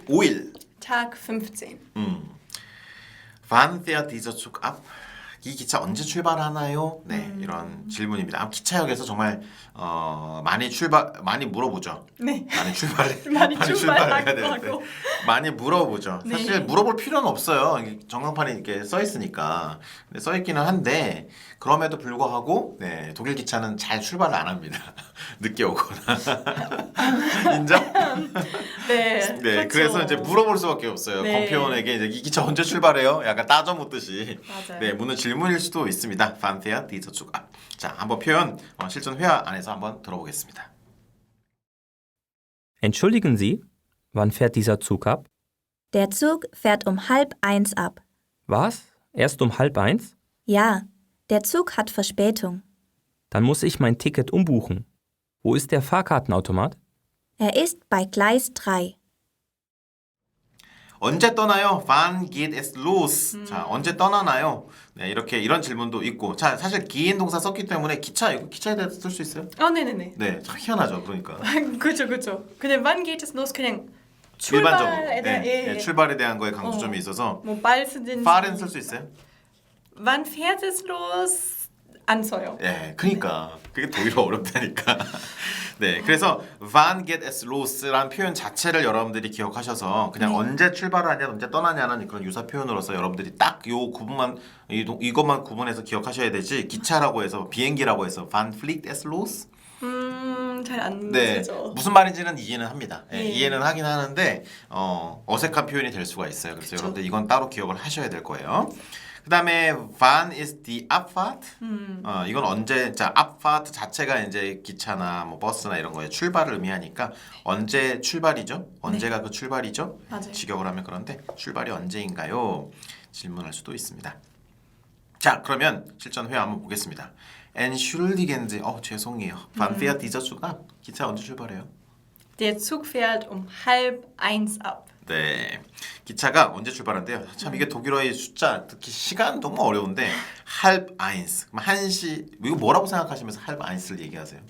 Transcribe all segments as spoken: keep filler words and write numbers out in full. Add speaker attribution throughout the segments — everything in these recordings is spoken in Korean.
Speaker 1: 오 일.
Speaker 2: Tag fünfzehn.
Speaker 1: 음. Wann fährt dieser Zug ab? 이 기차 언제 출발하나요? 네, 음. 이런 질문입니다. 아, 기차역에서 정말 어, 많이 출발 많이 물어보죠.
Speaker 2: 네.
Speaker 1: 많이 출발
Speaker 2: 많이,
Speaker 1: 많이 출발해야 되는데 많이 물어보죠.
Speaker 2: 네.
Speaker 1: 사실 물어볼 필요는 없어요. 전광판이 이렇게 써 있으니까. 근데 써 있기는 한데 그럼에도 불구하고 네, 독일 기차는 잘 출발을 안 합니다. 늦게 오거나. 인정?
Speaker 2: 네.
Speaker 1: 네,
Speaker 2: 그렇죠.
Speaker 1: 그래서 이제 물어볼 수밖에 없어요.
Speaker 2: 네.
Speaker 1: 검표원에게 이제 이 기차 언제 출발해요? 약간 따져 묻듯이.
Speaker 2: 맞아요.
Speaker 1: 네, 묻는 질문일 수도 있습니다. Wann fährt dieser Zug ab? 자, 한번 표현 어, 실전 회화 안에서 한번 들어보겠습니다.
Speaker 3: Entschuldigen Sie, wann fährt dieser Zug ab?
Speaker 4: Der Zug fährt um halb eins ab.
Speaker 3: Was? Erst um halb eins?
Speaker 4: Ja, der Zug hat Verspätung.
Speaker 3: Dann muss ich mein Ticket umbuchen. Wo ist der Fahrkartenautomat?
Speaker 4: Er ist bei Gleis drei.
Speaker 1: 언제 떠나요? Wann geht es los? 음. 자, 언제 떠나나요? 네, 이렇게 이런 질문도 있고. 자, 사실 gehen 동사 썼기 때문에 기차 이거 기차에 대해서 쓸 수 있어요?
Speaker 2: 어, 네네네.
Speaker 1: 네, 참 희한하죠. 그러니까.
Speaker 2: 그렇죠, 그렇죠. 근데 wann geht es los 그냥
Speaker 1: 일반적으로
Speaker 2: 출발에 대한
Speaker 1: 네,
Speaker 2: 예,
Speaker 1: 네,
Speaker 2: 예.
Speaker 1: 출발에 대한 거에 강조점이
Speaker 2: 어.
Speaker 1: 있어서
Speaker 2: 뭐 발쓰든
Speaker 1: fahren 쓸 수 있어요?
Speaker 2: Wann fährt es los? 안 써요.
Speaker 1: 예, 그러니까 그게 독일어 어렵다니까. 네, 그래서 wann geht es los라는 표현 자체를 여러분들이 기억하셔서 그냥
Speaker 2: 네.
Speaker 1: 언제 출발을 하냐, 언제 떠나냐는 그런 유사 표현으로서 여러분들이 딱 요 구분만 이, 이것만 구분해서 기억하셔야 되지. 기차라고 해서 비행기라고 해서 wann fliegt es los?
Speaker 2: 음, 잘 안
Speaker 1: 네,
Speaker 2: 쓰죠.
Speaker 1: 무슨 말인지는 이해는 합니다. 예,
Speaker 2: 네.
Speaker 1: 이해는 하긴 하는데 어, 어색한 표현이 될 수가 있어요. 그래서
Speaker 2: 그쵸.
Speaker 1: 여러분들 이건 따로 기억을 하셔야 될 거예요. 그 다음에 wann ist die Abfahrt?
Speaker 2: 음.
Speaker 1: 어, 이건 언제, 자, Abfahrt 자체가 이제 기차나 뭐 버스나 이런 거에 출발을 의미하니까 언제 출발이죠? 언제가
Speaker 2: 네.
Speaker 1: 그 출발이죠?
Speaker 2: 맞아요.
Speaker 1: 직역을 하면 그런데 출발이 언제인가요? 질문할 수도 있습니다. 자, 그러면 실전 회화 한번 보겠습니다. Entschuldigen Sie, 어, 죄송해요. Wann fährt dieser Zug ab? 기차 언제 출발해요?
Speaker 2: Der Zug fährt um halb eins ab.
Speaker 1: 네, 기차가 언제 출발한대요? 참 이게 독일어의 숫자, 특히 시간 너무 어려운데 halb eins, 한 시, 이거 뭐라고 생각하시면서 halb eins를 얘기하세요?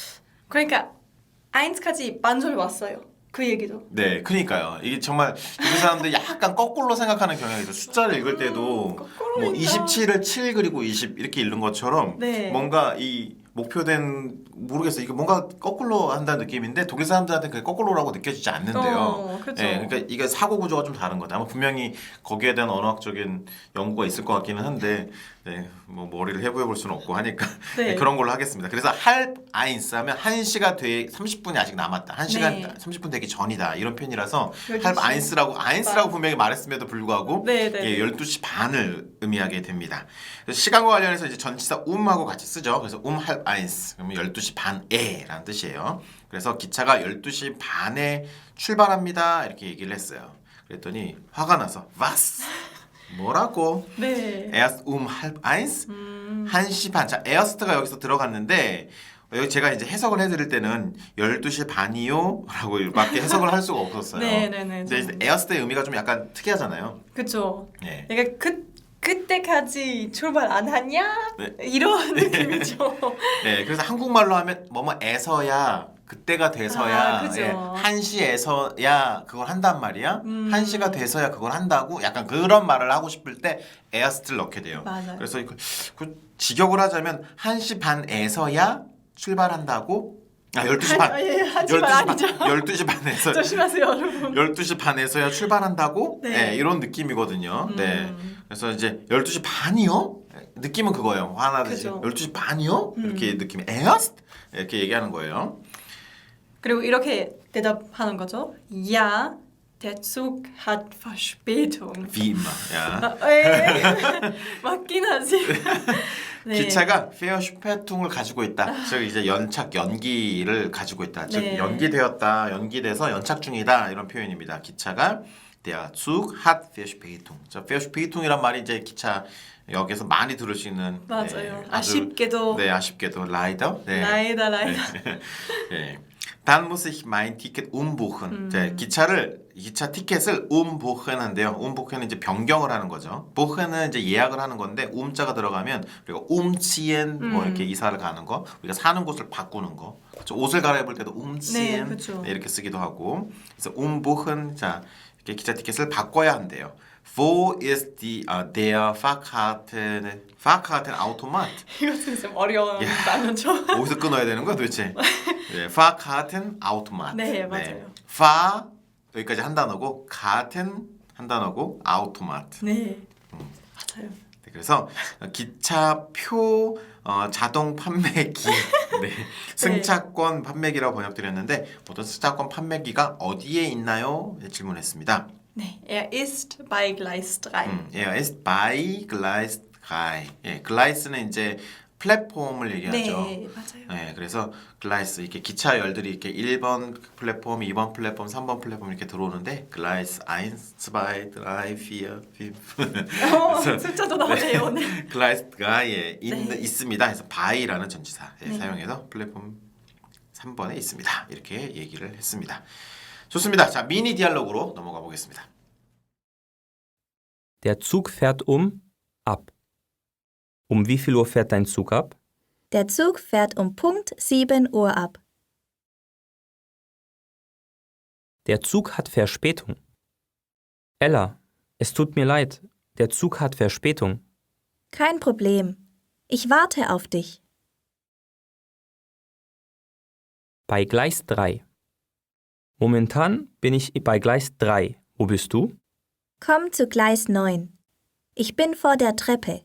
Speaker 2: 그러니까 eins까지 반절 왔어요. 그 얘기도.
Speaker 1: 네, 그러니까요. 이게 정말 독일 사람들이 약간 거꾸로 생각하는 경향이 있어요. 숫자를 읽을 때도
Speaker 2: 거꾸로
Speaker 1: 뭐
Speaker 2: 읽나?
Speaker 1: 이십칠을 칠 그리고 이십 이렇게 읽는 것처럼
Speaker 2: 네.
Speaker 1: 뭔가 이 목표된 모르겠어요. 이게 뭔가 거꾸로 한다는 느낌인데 독일 사람들한테 그게 거꾸로라고 느껴지지 않는데요.
Speaker 2: 어, 그렇죠.
Speaker 1: 예, 그러니까 이게 사고 구조가 좀 다른 거다. 아마 분명히 거기에 대한 언어학적인 연구가 있을 것 같기는 한데, 네, 뭐 머리를 해부해 볼 수는 없고 하니까
Speaker 2: 네.
Speaker 1: 네, 그런 걸로 하겠습니다. 그래서 halb eins 하면 한 시가 돼 삼십 분이 아직 남았다. 한 시간
Speaker 2: 네.
Speaker 1: 삼십 분 되기 전이다. 이런 표현이라서
Speaker 2: 열두 시
Speaker 1: halb eins라고 eins라고
Speaker 2: 반.
Speaker 1: 분명히 말했음에도 불구하고
Speaker 2: 네, 네.
Speaker 1: 예, 열두 시 반을 의미하게 됩니다. 그래서 시간과 관련해서 이제 전치사 um하고 같이 쓰죠. 그래서 um halb eins 그러면 열두 시 반에라는 뜻이에요. 그래서 기차가 열두 시 반에 출발합니다. 이렇게 얘기를 했어요. 그랬더니 화가 나서 was? 뭐라고?
Speaker 2: 네.
Speaker 1: erst um halb eins?
Speaker 2: 음.
Speaker 1: 한 시 반. 자, erst가 여기서 들어갔는데 여기 제가 이제 해석을 해드릴 때는 열두 시 반이요? 라고 밖에 해석을 할 수가 없었어요.
Speaker 2: 네네네.
Speaker 1: 근데 이제 erst의 의미가 좀 약간 특이하잖아요.
Speaker 2: 그렇죠.
Speaker 1: 예.
Speaker 2: 그러니까 그 그때까지 출발 안 하냐?
Speaker 1: 네.
Speaker 2: 이런 느낌이죠.
Speaker 1: 네, 그래서 한국말로 하면 뭐뭐에서야 그때가 돼서야
Speaker 2: 아, 그죠.
Speaker 1: 예, 한 시에서야 그걸 한단 말이야.
Speaker 2: 음.
Speaker 1: 한 시가 돼서야 그걸 한다고 약간 그런 말을 하고 싶을 때 erst를 넣게 돼요.
Speaker 2: 맞아요.
Speaker 1: 그래서 그, 그 직역을 하자면 한 시 반에서야 출발한다고. 아, 열두 시 반.
Speaker 2: 한- 예, 한 시 반 아니죠.
Speaker 1: 열두 시 반에서
Speaker 2: 조심하세요, 여러분.
Speaker 1: 열두 시 반에서야 출발한다고?
Speaker 2: 네.
Speaker 1: 네, 이런 느낌이거든요.
Speaker 2: 음.
Speaker 1: 네. 그래서 이제 열두 시 반이요? 느낌은 그거예요. 화나듯이.
Speaker 2: 그죠.
Speaker 1: 열두 시 반이요?
Speaker 2: 음.
Speaker 1: 이렇게 느낌이 erst? 이렇게 얘기하는 거예요.
Speaker 2: 그리고 이렇게 대답하는 거죠. Ja, der Zug hat Verspätung.
Speaker 1: Wie immer. 야.
Speaker 2: 아, 에 맞긴 하지. 네.
Speaker 1: 기차가 Verspätung을 가지고 있다. 즉 이제 연착, 연기를 가지고 있다. 즉
Speaker 2: 네.
Speaker 1: 연기되었다, 연기돼서 연착 중이다 이런 표현입니다. 기차가 Der Zug hat Verspätung. 자, Verspätung이란 말이 이제 기차 역에서 많이 들을 수 있는
Speaker 2: 맞아요.
Speaker 1: 네, 아주-
Speaker 2: 아쉽게도.
Speaker 1: 네, 아쉽게도 leider. 네.
Speaker 2: 라이다 라이다.
Speaker 1: 네. Dann muss ich mein Ticket umbuchen.
Speaker 2: 음.
Speaker 1: 자, 기차를 기차 티켓을 umbuchen 한대요. umbuchen은 이제 변경을 하는 거죠. buchen은 이제 예약을 하는 건데 um자가 들어가면 우리가 umziehen 뭐
Speaker 2: 음.
Speaker 1: 이렇게 이사를 가는 거, 우리가 사는 곳을 바꾸는 거. 그렇죠? 옷을 갈아입을 때도 umziehen
Speaker 2: 네, 그렇죠.
Speaker 1: 네, 이렇게 쓰기도 하고. 그래서 umbuchen 자 이렇게 기차 티켓을 바꿔야 한대요. Wo ist die, 아, der Fahrkarten, Fahrkartenautomat?
Speaker 2: 이거 진짜 좀 어려운
Speaker 1: 야.
Speaker 2: 단어죠.
Speaker 1: 어디서 끊어야 되는 거야 도대체? 네, Fahrkartenautomat.
Speaker 2: 네, 맞아요.
Speaker 1: Fahr 여기까지 한 단어고, Karten 한 단어고, Automat.
Speaker 2: 네, 맞아요.
Speaker 1: 네, 그래서 기차표 어, 자동 판매기, 네, 승차권 판매기라고 번역드렸는데 보통 승차권 판매기가 어디에 있나요? 네, 질문했습니다.
Speaker 2: 네, er ist bei Gleis drei.
Speaker 1: 음, er ist bei Gleis drei. 예, 글라이스는 이제 플랫폼을 얘기하죠.
Speaker 2: 네, 맞아요.
Speaker 1: 네, 그래서 글라이스 이렇게 기차 열들이 이렇게 일 번 플랫폼, 이 번 플랫폼, 삼 번 플랫폼 이렇게 들어오는데 글라이스 일, 이, 삼, 사,
Speaker 2: 어, 숫자도 나오네요 오늘.
Speaker 1: 글라이스가 예, 있,
Speaker 2: 네.
Speaker 1: 있습니다. 그래서 바이라는 전치사 예,
Speaker 2: 네.
Speaker 1: 사용해서 플랫폼 삼 번에 있습니다. 이렇게 얘기를 했습니다. 좋습니다. 자, 미니 디알로그로 넘어가 보겠습니다.
Speaker 3: Der Zug fährt um ab. Um wie viel Uhr fährt dein Zug ab?
Speaker 4: Der Zug fährt um Punkt sieben Uhr ab.
Speaker 3: Der Zug hat Verspätung. Ella, es tut mir leid, der Zug hat Verspätung.
Speaker 4: Kein Problem. Ich warte auf dich.
Speaker 3: Bei Gleis drei. Momentan bin ich bei Gleis drei. Wo bist du?
Speaker 4: Komm zu Gleis neun. Ich bin vor der Treppe.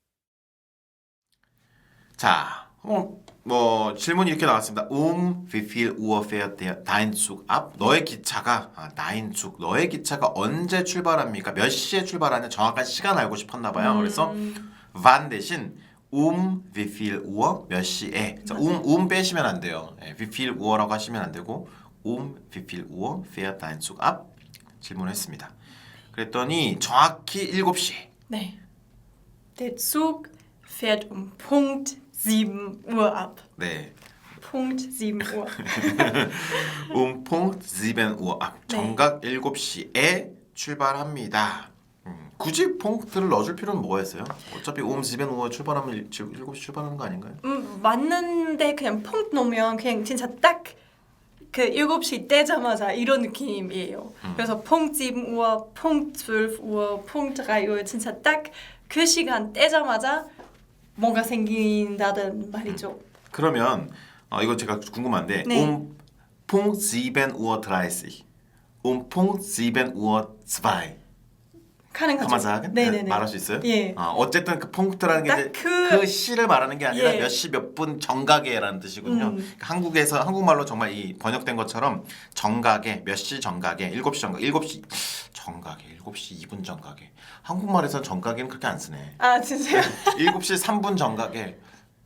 Speaker 1: 자, 어, 뭐 질문이 이렇게 나왔습니다. Um wie viel Uhr fährt der dein Zug ab? 너의 기차가 아, dein Zug. 너의 기차가 언제 출발합니까? 몇 시에 출발하냐? 정확한 시간 알고 싶었나 봐요. 그래서 wann 대신 um wie viel Uhr 몇 시에. 자, um um 빼시면 안 돼요. 예, wie viel Uhr라고 하시면 안 되고 um wie viel Uhr fährt dein Zug ab? 질문했습니다. 그랬더니 정확히 일곱 시.
Speaker 2: 네. Der Zug fährt um Punkt sieben Uhr ab.
Speaker 1: 네.
Speaker 2: Punkt sieben Uhr.
Speaker 1: um Punkt sieben Uhr 앞.
Speaker 2: 네.
Speaker 1: 정각 일곱 시에 출발합니다. 음, 굳이 퐁트를 넣어줄 필요는 뭐가 있어요? 어차피 um sieben Uhr 출발하면 일, 일곱 시 출발하는 거 아닌가요?
Speaker 2: 음, 맞는데 그냥 퐁트 놓으면 그냥 진짜 딱 그 일곱 시 떼자마자 이런 느낌이에요. 그래서 퐁트 sieben Uhr, 퐁트 zwölf Uhr, 퐁트 drei Uhr 진짜 딱 그 시간 떼자마자 뭔가 생긴다는 말이죠.
Speaker 1: 그러면 어, 이거 제가 궁금한데
Speaker 2: 네.
Speaker 1: um Punkt sieben Uhr dreißig, um Punkt sieben Uhr zwei
Speaker 2: 가능하죠.
Speaker 1: 가마사하긴
Speaker 2: 네네네.
Speaker 1: 말할 수 있어요?
Speaker 2: 예.
Speaker 1: 어, 어쨌든 그 퐁트라는 게
Speaker 2: 딱
Speaker 1: 이제
Speaker 2: 그-
Speaker 1: 그 시를 말하는 게 아니라
Speaker 2: 예.
Speaker 1: 몇 시 몇 분 정각에라는 뜻이군요.
Speaker 2: 음.
Speaker 1: 그러니까 한국에서 한국말로 정말 이 번역된 것처럼 정각에 몇 시 정각에 일곱 시 정각 일곱 시 정각에 일곱 시 이 분 정각에 한국말에서 정각에는 그렇게 안 쓰네.
Speaker 2: 아 진짜요?
Speaker 1: 일곱 시 삼 분 정각에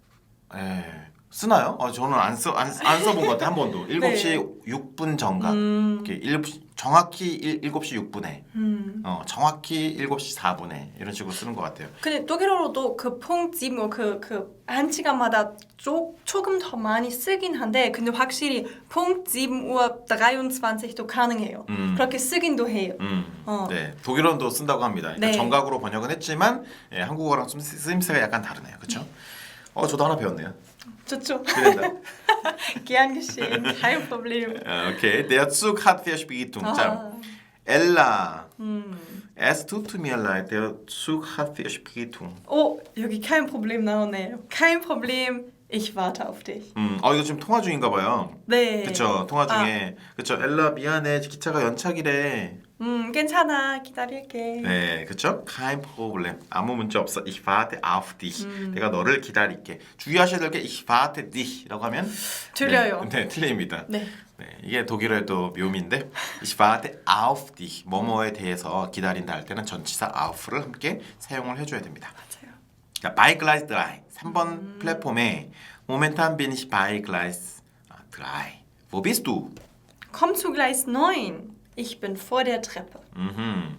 Speaker 1: 에, 쓰나요? 어, 저는 안 써 안 안 써본 것 같아 한 번도. 일곱 시 육 분 정각.
Speaker 2: 음.
Speaker 1: 이렇게 일곱 시 정확히 일, 일곱 시 육 분에
Speaker 2: 음.
Speaker 1: 어, 정확히 일곱 시 사 분에 이런 식으로 쓰는 것 같아요.
Speaker 2: 근데 독일어로도 그 퐁트 sieben Uhr 그그 한 시간마다 조, 조금 더 많이 쓰긴 한데 근데 확실히 퐁트 sieben Uhr dreiundzwanzig도 가능해요.
Speaker 1: 음.
Speaker 2: 그렇게 쓰긴도 해요.
Speaker 1: 음,
Speaker 2: 어.
Speaker 1: 네, 독일어도 쓴다고 합니다. 그러니까
Speaker 2: 네.
Speaker 1: 정각으로 번역은 했지만 예, 한국어랑 좀 쓰- 쓰임새가 약간 다르네요, 그렇죠? 어, 저도 하나 배웠네요.
Speaker 2: 좋죠.
Speaker 1: 그런다.
Speaker 2: Gern geschehen. Kein Problem.
Speaker 1: 어, 오케이, der Zug hat Verspätung. 자,
Speaker 2: 아,
Speaker 1: Ella,
Speaker 2: 음.
Speaker 1: es tut mir leid, der Zug hat Verspätung.
Speaker 2: 오, 여기 kein Problem 나오네요. Kein Problem. Ich warte auf dich.
Speaker 1: 음, 어 이거 지금 통화 중인가 봐요.
Speaker 2: 네.
Speaker 1: 그쵸, 통화 중에 그쵸, 엘라 미안해, 기차가 연착이래.
Speaker 2: 음, 괜찮아. 기다릴게.
Speaker 1: 네, 그쵸? Kein Problem. 아무 문제 없어. Ich warte auf dich.
Speaker 2: 음.
Speaker 1: 내가 너를 기다릴게. 주의하셔야 될 게 Ich warte dich.라고 하면
Speaker 2: 틀려요.
Speaker 1: 네, 네, 틀립니다.
Speaker 2: 네.
Speaker 1: 네, 이게 독일어의 또 묘미인데 Ich warte auf dich. 뭐뭐에 대해서 기다린다 할 때는 전치사 auf를 함께 사용을 해줘야 됩니다.
Speaker 2: 맞아요.
Speaker 1: 자, bei Gleis drei. 삼 번
Speaker 2: 음.
Speaker 1: 플랫폼에 Momentan bin ich bei Gleis drei. Wo bist du?
Speaker 2: Komm zu Gleis neun. Ich bin vor der Treppe.
Speaker 1: 음흠.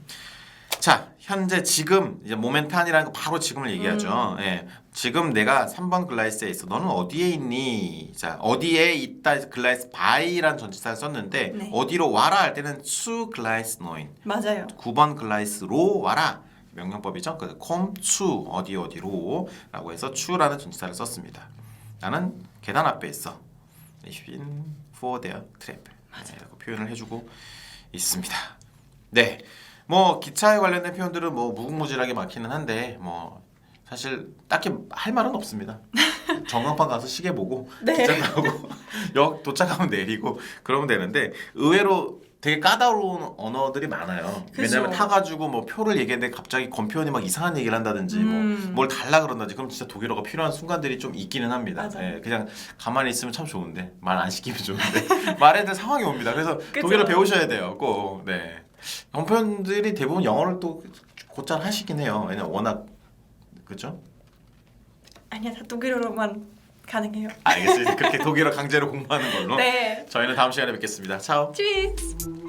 Speaker 1: 자, 현재 지금 이제 모멘탄이라는 거 바로 지금을 얘기하죠.
Speaker 2: 음.
Speaker 1: 예. 지금 내가 삼 번 글라이스에 있어. 너는 어디에 있니? 자, 어디에 있다 글라이스 바이란 전치사를 썼는데
Speaker 2: 네.
Speaker 1: 어디로 와라 할 때는 zu Gleis neun.
Speaker 2: 맞아요.
Speaker 1: 구 번 글라이스로 와라. 명령법이죠. 그래서 komm zu 어디 어디로 라고 해서 zu라는 전치사를 썼습니다. 나는 계단 앞에 있어. Ich bin vor der Treppe. 네, 이렇게 표현을 해주고 있습니다. 네, 뭐 기차에 관련된 표현들은 뭐 무궁무진하게 많기는 한데 뭐 사실 딱히 할 말은 없습니다. 전광판 가서 시계 보고
Speaker 2: 네.
Speaker 1: 기차 타고 역 도착하면 내리고 그러면 되는데 의외로 되게 까다로운 언어들이 많아요.
Speaker 2: 그죠.
Speaker 1: 왜냐면 타가지고 뭐 표를 얘기했는데 갑자기 건표원이 막 이상한 얘기를 한다든지
Speaker 2: 음.
Speaker 1: 뭐 뭘 달라 그런다든지 그럼 진짜 독일어가 필요한 순간들이 좀 있기는 합니다.
Speaker 2: 맞아요.
Speaker 1: 예, 그냥 가만히 있으면 참 좋은데 말 안 시키면 좋은데 말해야 될 상황이 옵니다. 그래서
Speaker 2: 그죠.
Speaker 1: 독일어 배우셔야 돼요. 꼭. 네. 건표원들이 대부분 영어를 또 곧잘 하시긴 해요. 왜냐면 워낙 그죠?
Speaker 2: 아니야, 다 독일어로만 가능해요.
Speaker 1: 알겠습니다. 그렇게 독일어 강제로 공부하는 걸로.
Speaker 2: 네.
Speaker 1: 저희는 다음 시간에 뵙겠습니다. 차오.
Speaker 2: Tschüss.